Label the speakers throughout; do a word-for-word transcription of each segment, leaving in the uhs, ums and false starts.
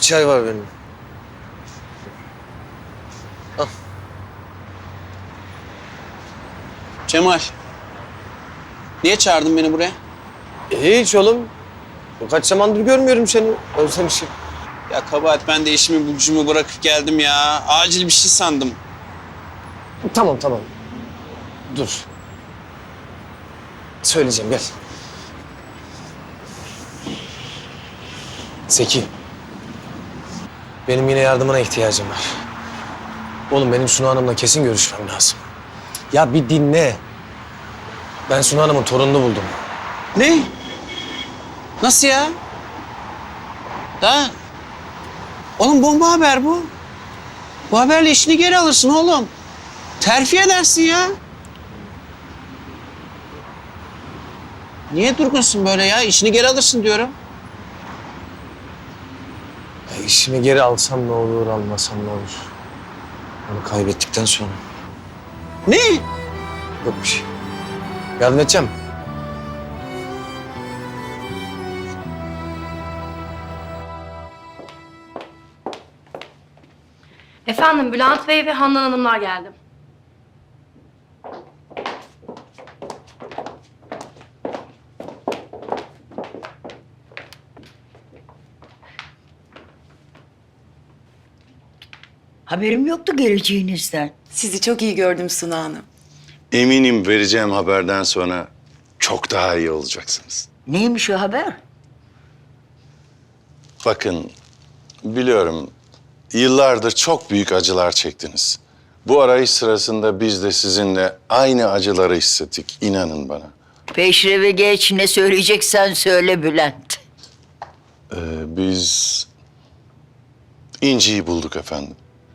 Speaker 1: çay var benim. Al.
Speaker 2: Cemal. Niye çağırdın beni buraya?
Speaker 1: E, hiç oğlum. Kaç zamandır görmüyorum seni. Özlemişim.
Speaker 2: Ya kabahat, ben de işimi gücümü bırakıp geldim ya. Acil bir şey sandım.
Speaker 1: Tamam tamam. Dur. Söyleyeceğim, gel. Zeki. Benim yine yardımına ihtiyacım var. Oğlum benim Sunu Hanım'la kesin görüşmem lazım. Ya bir dinle. Ben Sunu Hanım'ın torununu buldum.
Speaker 2: Ne? Nasıl ya? Da? Oğlum bomba haber bu. Bu haberle işini geri alırsın oğlum. Terfi edersin ya. Niye durgunsun böyle ya? İşini geri alırsın diyorum.
Speaker 1: Ya işimi geri alsam ne olur, almasam ne olur? Onu kaybettikten sonra.
Speaker 2: Ne?
Speaker 1: Yok bir şey. Yardım edeceğim.
Speaker 3: Efendim, Bülent Bey ve Handan Hanımlar geldi.
Speaker 4: Haberim yoktu geleceğinizden.
Speaker 5: Sizi çok iyi gördüm Suna Hanım.
Speaker 6: Eminim vereceğim haberden sonra çok daha iyi olacaksınız.
Speaker 4: Neymiş o haber?
Speaker 6: Bakın, biliyorum yıllardır çok büyük acılar çektiniz. Bu arayış sırasında biz de sizinle aynı acıları hissettik, inanın bana.
Speaker 4: Peşreve geç, ne söyleyeceksen söyle Bülent.
Speaker 6: Ee, biz İnci'yi bulduk efendim.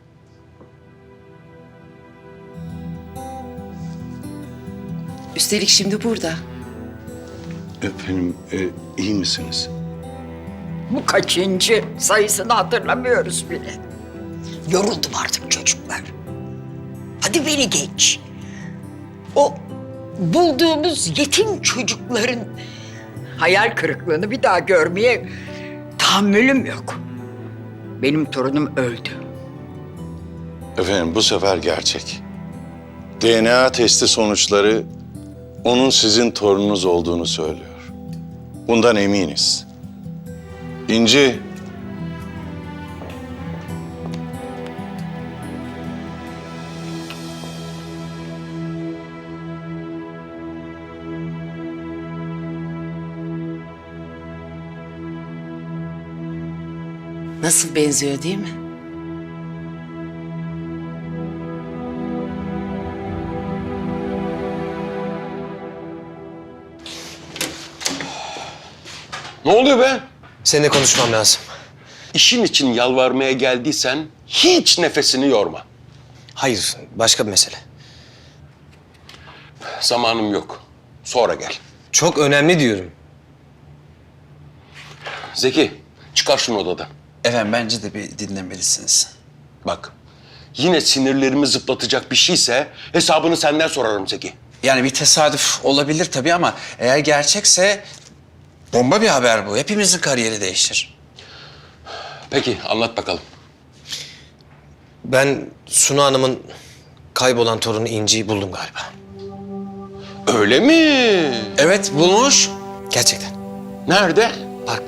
Speaker 5: Üstelik şimdi burada.
Speaker 6: Efendim, e, iyi misiniz?
Speaker 4: Bu kaçıncı? Sayısını hatırlamıyoruz bile. Yoruldum artık çocuklar. Hadi beni geç. O bulduğumuz yetim çocukların hayal kırıklığını bir daha görmeye tahammülüm yok. Benim torunum öldü.
Speaker 6: Efendim, bu sefer gerçek. D N A testi sonuçları onun sizin torununuz olduğunu söylüyor. Bundan eminiz. İnci,
Speaker 5: Nasıl benziyor değil mi?
Speaker 7: Ne oluyor be?
Speaker 1: Seninle konuşmam lazım.
Speaker 7: İşin için yalvarmaya geldiysen hiç nefesini yorma.
Speaker 1: Hayır, başka bir mesele.
Speaker 7: Zamanım yok. Sonra gel.
Speaker 1: Çok önemli diyorum.
Speaker 7: Zeki, çıkar şunu odadan.
Speaker 2: Efendim, bence de bir dinlemelisiniz.
Speaker 7: Bak, yine sinirlerimi zıplatacak bir şeyse hesabını senden sorarım Zeki.
Speaker 2: Yani bir tesadüf olabilir tabii ama eğer gerçekse bomba bir haber bu. Hepimizin kariyeri değişir.
Speaker 7: Peki, anlat bakalım.
Speaker 1: Ben Sunu Hanım'ın kaybolan torunu İnci'yi buldum galiba.
Speaker 7: Öyle mi?
Speaker 2: Evet, bulmuş.
Speaker 1: Gerçekten.
Speaker 7: Nerede?
Speaker 1: Parkta.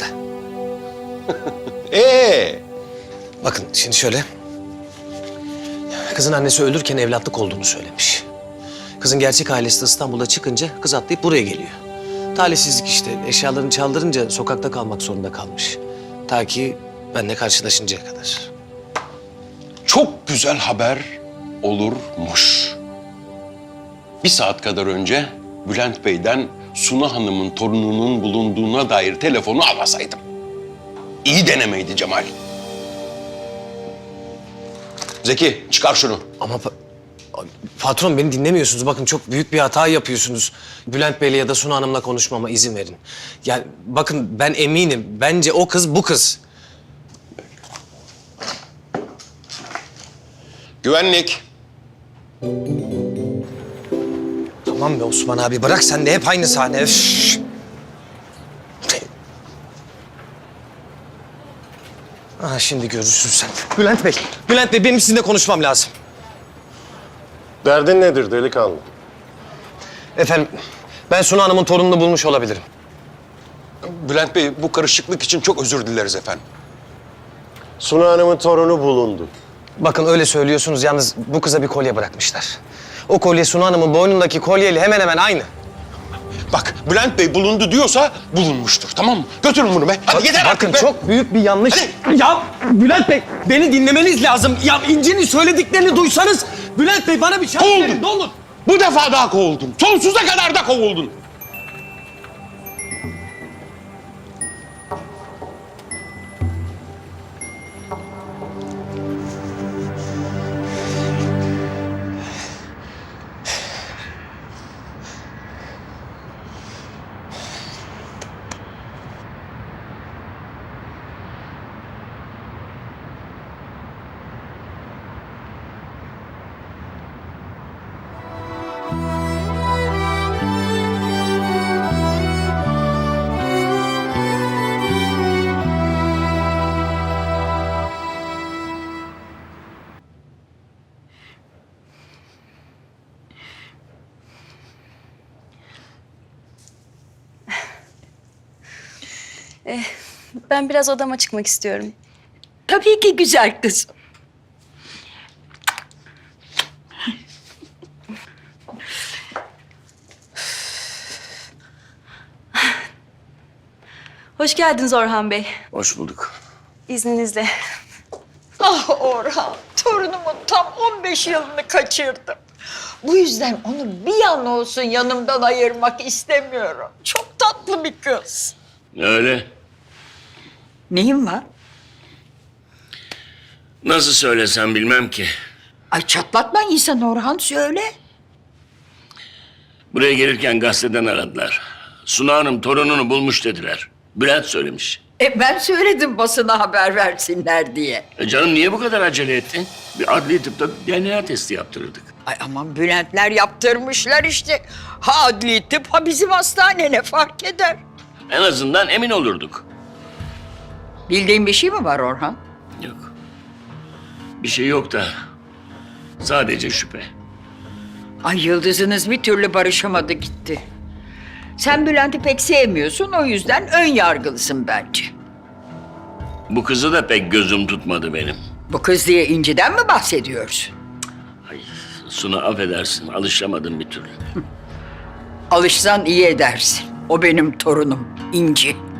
Speaker 7: Ee,
Speaker 1: Bakın şimdi şöyle. Kızın annesi ölürken evlatlık olduğunu söylemiş. Kızın gerçek ailesi de İstanbul'a çıkınca kız atlayıp buraya geliyor. Talihsizlik işte. Eşyalarını çaldırınca sokakta kalmak zorunda kalmış. Ta ki benimle karşılaşıncaya kadar.
Speaker 7: çok güzel haber olurmuş. Bir saat kadar önce Bülent Bey'den Suna Hanım'ın torununun bulunduğuna dair telefonu almasaydım. İyi denemeydi Cemal. Zeki, çıkar şunu.
Speaker 1: Ama pa- patron beni dinlemiyorsunuz. Bakın çok büyük bir hata yapıyorsunuz. Bülent Bey'le ya da Sunu Hanım'la konuşmama izin verin. Yani bakın ben eminim. Bence o kız bu kız.
Speaker 7: Güvenlik.
Speaker 1: Tamam be Osman abi bırak sen de hep aynı sahne. Üf. Ha, şimdi görürsün sen. Bülent Bey, Bülent Bey benim sizinle konuşmam lazım.
Speaker 6: Derdin nedir delikanlı?
Speaker 1: Efendim, ben Suna Hanım'ın torununu bulmuş olabilirim.
Speaker 7: Bülent Bey, bu karışıklık için çok özür dileriz efendim.
Speaker 6: Suna Hanım'ın torunu bulundu.
Speaker 1: Bakın öyle söylüyorsunuz, yalnız bu kıza bir kolye bırakmışlar. O kolye Suna Hanım'ın boynundaki kolyeyle hemen hemen aynı.
Speaker 7: Bak, Bülent Bey bulundu diyorsa bulunmuştur, tamam mı? Götürün bunu be. Hadi yeter
Speaker 1: Bakın
Speaker 7: artık be.
Speaker 1: çok büyük bir yanlış. Ya Bülent Bey, beni dinlemeniz lazım. Ya İnci'nin söylediklerini duysanız... Bülent Bey bana bir şans
Speaker 7: Kovuldun.
Speaker 1: verin, ne olur.
Speaker 7: Bu defa daha kovuldun. Sonsuza kadar da kovuldun.
Speaker 8: Ben biraz odama çıkmak istiyorum.
Speaker 4: Tabii ki güzel kız.
Speaker 8: Hoş geldiniz Orhan Bey.
Speaker 7: Hoş bulduk.
Speaker 8: İzninizle.
Speaker 4: Ah Orhan, torunumun tam on beş yılını kaçırdım. Bu yüzden onu bir an olsun yanımdan ayırmak istemiyorum. Çok tatlı bir kız.
Speaker 9: Öyle.
Speaker 4: Neyin var?
Speaker 9: Nasıl söylesem bilmem ki.
Speaker 4: Ay çatlatma insan Orhan, söyle.
Speaker 9: Buraya gelirken gazeteden aradılar. Suna Hanım torununu bulmuş dediler. Bülent söylemiş.
Speaker 4: E ben söyledim basına haber versinler diye.
Speaker 9: E canım niye bu kadar acele ettin? Bir adli tıpta D N A testi yaptırırdık.
Speaker 4: Ay aman Bülentler yaptırmışlar işte. Ha adli tıp, ha bizim hastane, ne fark eder?
Speaker 9: En azından emin olurduk.
Speaker 4: Bildiğin bir şey mi var Orhan?
Speaker 9: Yok. Bir şey yok da sadece şüphe.
Speaker 4: Ay yıldızınız bir türlü barışamadı gitti. Sen Bülent'i pek sevmiyorsun, o yüzden ön yargılısın bence.
Speaker 9: Bu kızı da pek gözüm tutmadı benim.
Speaker 4: Bu kız diye İnci'den mi bahsediyorsun?
Speaker 9: Ay, Suna affedersin alışamadım bir türlü.
Speaker 4: Alışsan iyi edersin. O benim torunum İnci.